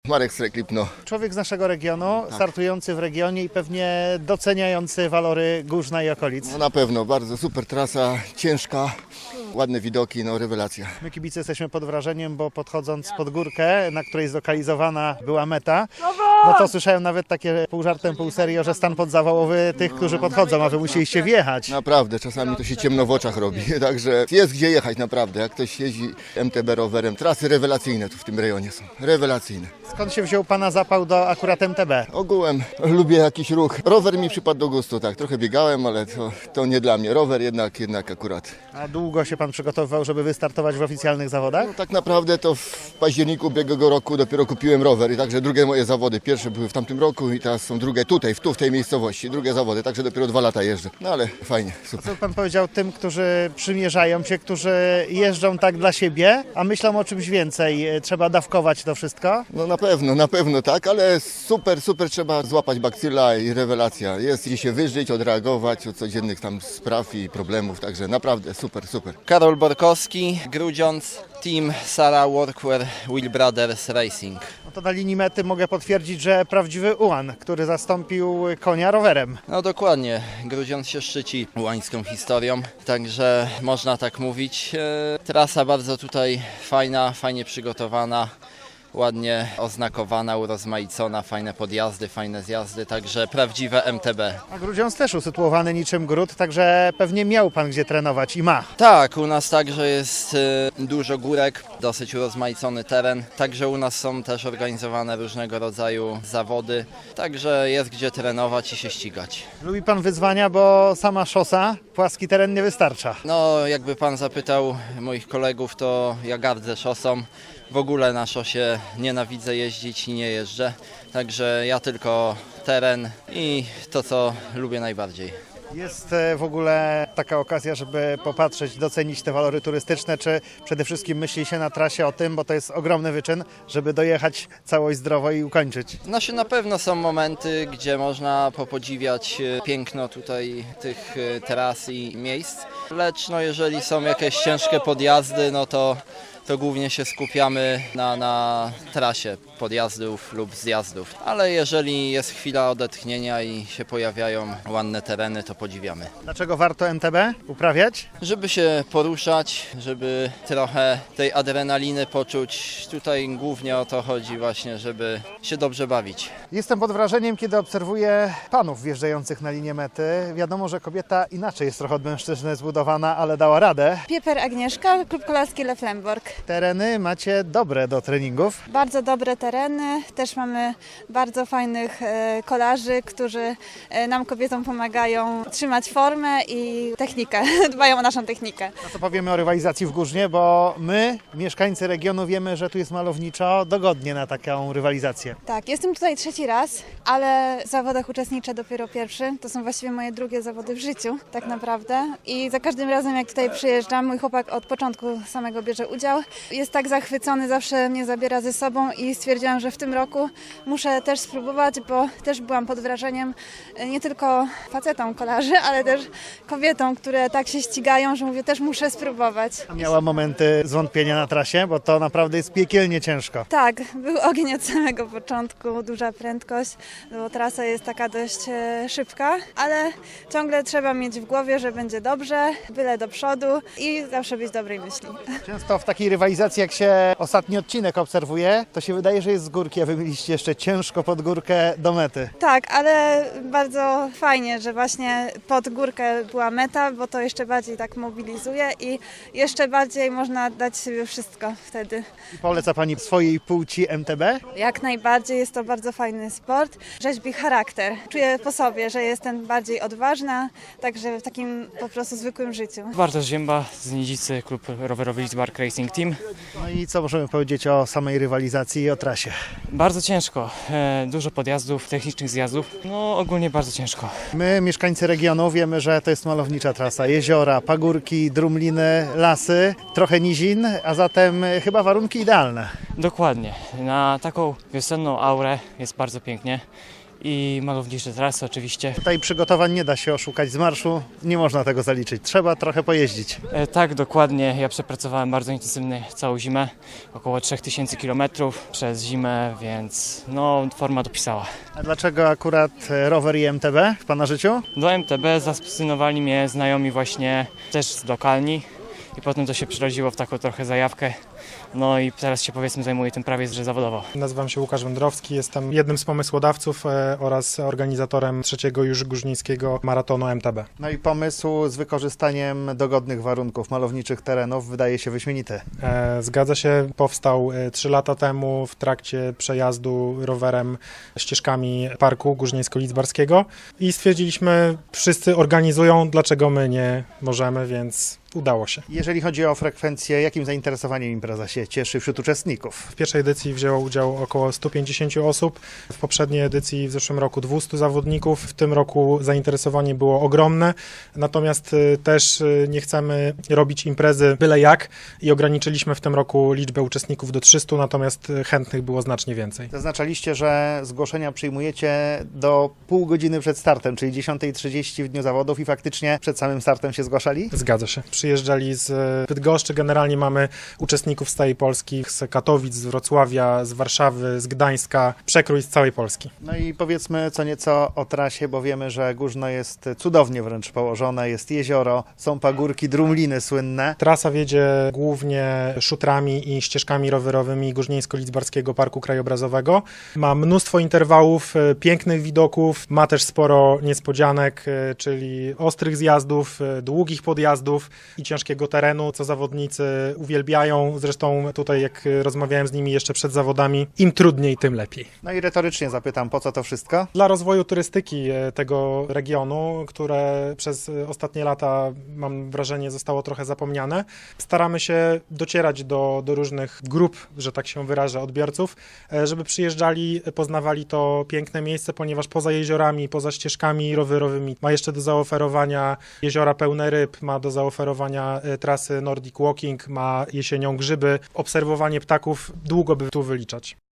Marek Stryklip. Człowiek z naszego regionu, startujący w regionie i pewnie doceniający walory Górzna i okolic. Na pewno, bardzo super trasa, ciężka, ładne widoki, rewelacja. My kibice jesteśmy pod wrażeniem, bo podchodząc pod górkę, na której zlokalizowana była meta, to słyszałem nawet takie pół żartem, pół serio, że stan podzawałowy tych, którzy podchodzą, a wy musieliście wjechać. Naprawdę, czasami to się ciemno w oczach robi, także jest gdzie jechać naprawdę. Jak ktoś jeździ MTB rowerem, trasy rewelacyjne tu w tym rejonie są, rewelacyjne. Skąd się wziął Pana zapał do akurat MTB? Ogółem lubię jakiś ruch. Rower mi przypadł do gustu, tak, trochę biegałem, ale to nie dla mnie. Rower jednak akurat. A długo się Pan przygotowywał, żeby wystartować w oficjalnych zawodach? Tak naprawdę to w październiku ubiegłego roku dopiero kupiłem rower i także drugie moje zawody. Pierwsze były w tamtym roku i teraz są drugie tutaj, w tej miejscowości. Drugie zawody, także dopiero 2 lata jeżdżę. Ale fajnie, super. Co Pan powiedział tym, którzy przymierzają się, którzy jeżdżą tak dla siebie, a myślą o czymś więcej? Trzeba dawkować to wszystko? Na pewno tak, ale super trzeba złapać bakcyla i rewelacja. Jest gdzie się wyżyć, odreagować od codziennych tam spraw i problemów, także naprawdę super. Karol Borkowski, Grudziądz, Team Sara Workwear Wheel Brothers Racing. To na linii mety mogę potwierdzić, że prawdziwy ułan, który zastąpił konia rowerem. Dokładnie, Grudziądz się szczyci ułańską historią, także można tak mówić. Trasa bardzo tutaj fajna, fajnie przygotowana. Ładnie oznakowana, urozmaicona, fajne podjazdy, fajne zjazdy, także prawdziwe MTB. A Grudziądz też usytuowany niczym gród, także pewnie miał Pan gdzie trenować i ma. Tak, u nas także jest dużo górek, dosyć urozmaicony teren, także u nas są też organizowane różnego rodzaju zawody, także jest gdzie trenować i się ścigać. Lubi Pan wyzwania, bo sama szosa, płaski teren nie wystarcza. Jakby Pan zapytał moich kolegów, to ja gardzę szosą. W ogóle na szosie nienawidzę jeździć i nie jeżdżę, także ja tylko teren i to, co lubię najbardziej. Jest w ogóle taka okazja, żeby popatrzeć, docenić te walory turystyczne, czy przede wszystkim myśli się na trasie o tym, bo to jest ogromny wyczyn, żeby dojechać całość zdrowo i ukończyć. Na pewno są momenty, gdzie można popodziwiać piękno tutaj tych tras i miejsc, lecz jeżeli są jakieś ciężkie podjazdy, to głównie się skupiamy na trasie podjazdów lub zjazdów. Ale jeżeli jest chwila odetchnienia i się pojawiają ładne tereny, to podziwiamy. Dlaczego warto MTB uprawiać? Żeby się poruszać, żeby trochę tej adrenaliny poczuć. Tutaj głównie o to chodzi właśnie, żeby się dobrze bawić. Jestem pod wrażeniem, kiedy obserwuję panów wjeżdżających na linię mety. Wiadomo, że kobieta inaczej jest trochę od mężczyzny zbudowana, ale dała radę. Pieper Agnieszka, Klub Kolarski Leflemborg. Tereny macie dobre do treningów. Bardzo dobre tereny, też mamy bardzo fajnych kolarzy, którzy nam kobietom pomagają trzymać formę i technikę, dbają o naszą technikę. No to powiemy o rywalizacji w Górznie, bo my, mieszkańcy regionu, wiemy, że tu jest malowniczo, dogodnie na taką rywalizację. Tak, jestem tutaj 3. raz, ale w zawodach uczestniczę dopiero pierwszy. To są właściwie moje drugie zawody w życiu, tak naprawdę. I za każdym razem, jak tutaj przyjeżdżam, mój chłopak od początku samego bierze udział. Jest tak zachwycony, zawsze mnie zabiera ze sobą i stwierdziłam, że w tym roku muszę też spróbować, bo też byłam pod wrażeniem nie tylko facetom kolarzy, ale też kobietom, które tak się ścigają, że mówię, też muszę spróbować. A miała momenty zwątpienia na trasie, bo to naprawdę jest piekielnie ciężko. Tak, był ogień od samego początku, duża prędkość, bo trasa jest taka dość szybka, ale ciągle trzeba mieć w głowie, że będzie dobrze, byle do przodu i zawsze być dobrej myśli. Często w takiej rywalizacji, jak się ostatni odcinek obserwuje, to się wydaje, że jest z górki, a wy mieliście jeszcze ciężko pod górkę do mety. Tak, ale bardzo fajnie, że właśnie pod górkę była meta, bo to jeszcze bardziej tak mobilizuje i jeszcze bardziej można dać sobie wszystko wtedy. I poleca Pani swojej płci MTB? Jak najbardziej jest to bardzo fajny sport, rzeźbi charakter. Czuję po sobie, że jestem bardziej odważna, także w takim po prostu zwykłym życiu. Bartosz Zięba z Nidzicy, klub rowerowy Lidzbark Racing Team. No i co możemy powiedzieć o samej rywalizacji i o trasie? Bardzo ciężko, dużo podjazdów, technicznych zjazdów, ogólnie bardzo ciężko. My, mieszkańcy regionu, wiemy, że to jest malownicza trasa. Jeziora, pagórki, drumliny, lasy, trochę nizin, a zatem chyba warunki idealne. Dokładnie, na taką wiosenną aurę jest bardzo pięknie i malownicze trasy oczywiście. Tutaj przygotowań nie da się oszukać z marszu, nie można tego zaliczyć. Trzeba trochę pojeździć. Tak, dokładnie. Ja przepracowałem bardzo intensywnie całą zimę, około 3000 km przez zimę, więc no forma dopisała. A dlaczego akurat rower i MTB w Pana życiu? Do MTB zafascynowali mnie znajomi właśnie też z lokalni i potem to się przerodziło w taką trochę zajawkę. No i teraz się powiedzmy zajmuję tym prawie że zawodowo. Nazywam się Łukasz Wędrowski, jestem jednym z pomysłodawców oraz organizatorem trzeciego już górnickiego maratonu MTB. No i pomysł z wykorzystaniem dogodnych warunków malowniczych terenów wydaje się wyśmienity. Zgadza się, powstał 3 lata temu w trakcie przejazdu rowerem ścieżkami Parku Górnicko-Lidzbarskiego i stwierdziliśmy, wszyscy organizują, dlaczego my nie możemy, więc udało się. Jeżeli chodzi o frekwencję, jakim zainteresowaniem impreza się cieszy wśród uczestników? W pierwszej edycji wzięło udział około 150 osób, w poprzedniej edycji w zeszłym roku 200 zawodników, w tym roku zainteresowanie było ogromne, natomiast też nie chcemy robić imprezy byle jak i ograniczyliśmy w tym roku liczbę uczestników do 300, natomiast chętnych było znacznie więcej. Zaznaczaliście, że zgłoszenia przyjmujecie do pół godziny przed startem, czyli 10:30 w dniu zawodów i faktycznie przed samym startem się zgłaszali? Zgadza się. Przyjeżdżali z Bydgoszczy, generalnie mamy uczestników z całej Polski, z Katowic, z Wrocławia, z Warszawy, z Gdańska, przekrój z całej Polski. No i powiedzmy co nieco o trasie, bo wiemy, że Górzno jest cudownie wręcz położone, jest jezioro, są pagórki, drumliny słynne. Trasa wiedzie głównie szutrami i ścieżkami rowerowymi Górnieńsko-Lidzbarskiego Parku Krajobrazowego. Ma mnóstwo interwałów, pięknych widoków, ma też sporo niespodzianek, czyli ostrych zjazdów, długich podjazdów i ciężkiego terenu, co zawodnicy uwielbiają. Zresztą tutaj jak rozmawiałem z nimi jeszcze przed zawodami, im trudniej, tym lepiej. No i retorycznie zapytam, po co to wszystko? Dla rozwoju turystyki tego regionu, które przez ostatnie lata, mam wrażenie, zostało trochę zapomniane, staramy się docierać do różnych grup, że tak się wyrażę, odbiorców, żeby przyjeżdżali, poznawali to piękne miejsce, ponieważ poza jeziorami, poza ścieżkami rowerowymi ma jeszcze do zaoferowania jeziora pełne ryb, ma do zaoferowania trasy Nordic Walking, ma jesienią grzyby. Obserwowanie ptaków długo by tu wyliczać.